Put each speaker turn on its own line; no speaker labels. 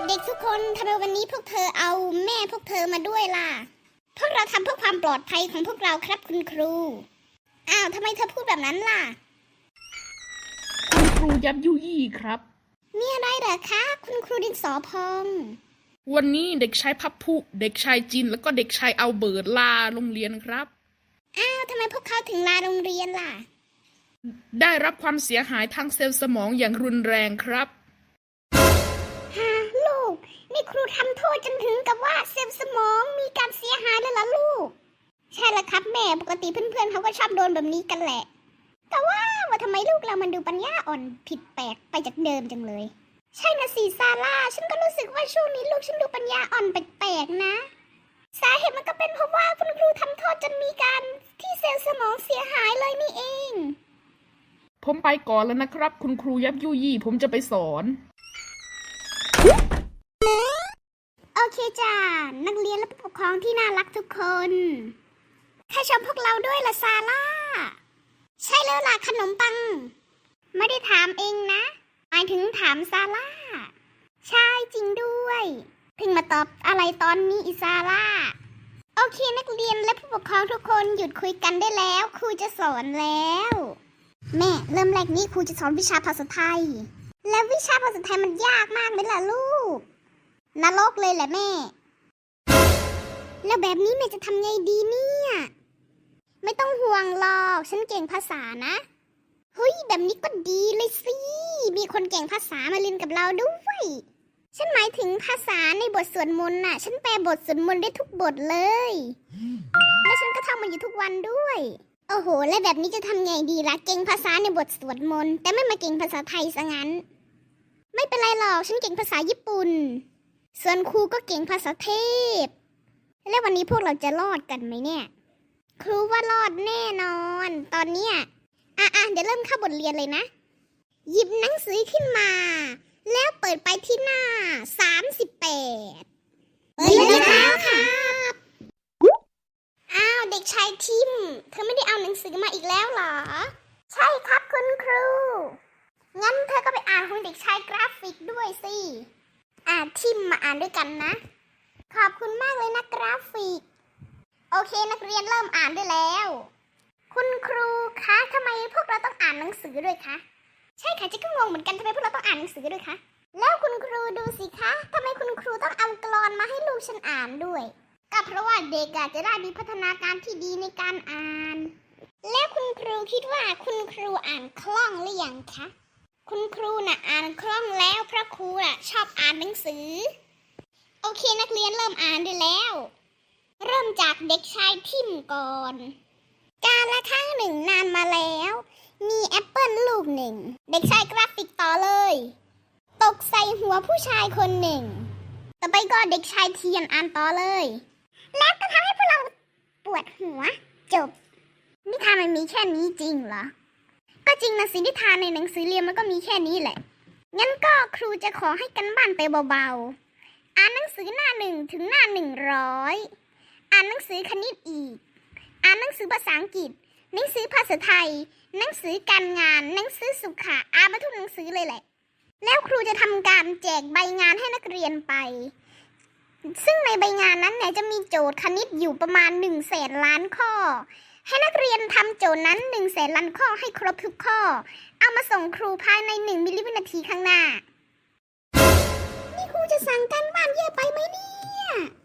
ด็กๆทุกคนทำไมวันนี้พวกเธอเอาแม่พวกเธอมาด้วยล่ะพวกเราทำเพื่อความปลอดภัยของพวกเราครับคุณครูอ้าวทำไมเธอพูดแบบนั้นล่ะ
คุณครูยับยุยี่ครับ
มีอะไรเหรอคะคุณครูดินสอพอง
วันนี้เด็กชายพับพุเด็กชายจินแล้วก็เด็กชายเอาเบิร์ดลาโรงเรียนครับ
อ้าวทำไมพวกเขาถึงลาโรงเรียนล่ะ
ได้รับความเสียหายทางเซลล์สมองอย่างรุนแรงครับ
ฮะลูกนี่ครูทำโทษจนถึงกับว่าเซลล์สมองมีการเสียหายเลยล่ะลูกใช่ละครับแม่ปกติเพื่อนๆเขาก็ชอบโดนแบบนี้กันแหละแต่ว่าทำไมลูกเรามันดูปัญญาอ่อนผิดแปลกไปจากเดิมจังเลยใช่นะสิซาร่าฉันก็รู้สึกว่าช่วงนี้ลูกฉันดูปัญญาอ่อนแปลกๆนะสาเหตุมันก็เป็นเพราะว่าคุณครูทำโทษจนมีการที่เซลล์สมองเสียหายเลยนี่เอง
ผมไปก่อนแล้วนะครับคุณครูยับยุยี่ผมจะไปสอน
โอเคจ้านักเรียนและผู้ปกครองที่น่ารักทุกคนใครชมพวกเราด้วยล่ะซาร่าใช่แล้วล่ะขนมปังไม่ได้ถามเองนะหมายถึงถามซาร่าใช่จริงด้วยเพิ่งมาตอบอะไรตอนนี้อีซาร่าโอเคนักเรียนและผู้ปกครองทุกคนหยุดคุยกันได้แล้วครูจะสอนแล้วแม่เริ่มแรกนี้ครูจะสอนวิชาภาษาไทยและวิชาภาษาไทยมันยากมากไหมล่ะลูกนรกเลยแหละแม่แล้วแบบนี้แม่จะทำไงดีเนี่ยไม่ต้องห่วงหรอกฉันเก่งภาษานะเฮ้ยแบบนี้ก็ดีเลยสิมีคนเก่งภาษามาเรียนกับเราด้วยฉันหมายถึงภาษาในบทสวดมนต์น่ะฉันแปลบทสวดมนต์ได้ทุกบทเลยและฉันก็ท่องมันอยู่ทุกวันด้วยโอ้โหแล้วแบบนี้จะทำไงดีล่ะเก่งภาษาในบทสวดมนต์แต่ไม่มาเก่งภาษาไทยซะงั้นไม่เป็นไรหรอกฉันเก่งภาษาญี่ปุ่นส่วนครูก็เก่งภาษาเทพแล้ววันนี้พวกเราจะรอดกันไหมเนี่ยครูว่ารอดแน่นอนตอนเนี้ยเดี๋ยวเริ่มเข้าบทเรียนเลยนะหยิบหนังสือขึ้นมาแล้วเปิดไปที่หน้า38เปิดเลยครับอ้าวเด็กชายทิมเธอไม่ได้เอาหนังสือมาอีกแล้วเหรอใช่ครับคุณครูงั้นเธอก็ไปอ่านของเด็กชายกราฟิกด้วยสิทิมมาอ่านด้วยกันนะขอบคุณมากเลยนะกราฟิกโอเคนักเรียนเริ่มอ่านได้แล้วคุณครูคะทำไมพวกเราต้องอ่านหนังสือด้วยคะใช่ค่ะจะก็งงเหมือนกันทำไมพวกเราต้องอ่านหนังสือด้วยคะแล้วคุณครูดูสิคะทำไมคุณครูต้องเอากลอนมาให้ลูกฉันอ่านด้วยก็เพราะว่าเด็กจะได้มีพัฒนาการที่ดีในการอ่านแล้วคุณครูคิดว่าคุณครูอ่านคล่องหรือยังคะคุณครูน่ะอ่านคล่องแล้วเพราะครูน่ะชอบอ่านหนังสือโอเคนักเรียนเริ่มอ่านได้แล้วเริ่มจากเด็กชายทิมก่อนกาลครั้งหนึ่งนานมาแล้วมีแอปเปิลลูกหนึ่งเด็กชายกราฟิกต่อเลยตกใส่หัวผู้ชายคนหนึ่งต่อไปก็เด็กชายเทียนอ่านต่อเลยแล้วก็ทำให้พวกเราปวดหัวจบนิทานมันมีแค่นี้จริงเหรอก็จริงนะสินิทานในหนังสือเรียนมันก็มีแค่นี้แหละงั้นก็ครูจะขอให้กันบ้านไปเบาๆอ่านหนังสือหน้า1 ถึงหน้า 100อ่านหนังสือคณิตอีกอ่านหนังสือภาษาอังกฤษหนังสือภาษาไทยหนังสือการงานหนังสือสุขะอ่านมาทุกหนังสือเลยแหละแล้วครูจะทำการแจกใบงานให้นักเรียนไปซึ่งในใบงานนั้นเนี่ยจะมีโจทย์คณิตอยู่ประมาณ100,000,000,000 ข้อให้นักเรียนทำโจทย์นั้น100,000,000,000 ข้อให้ครบทุกข้อเอามาส่งครูภายใน1 มิลลิวินาทีข้างหน้านี่ครูจะสั่งการบ้านเยอะไปไหมเนี่ย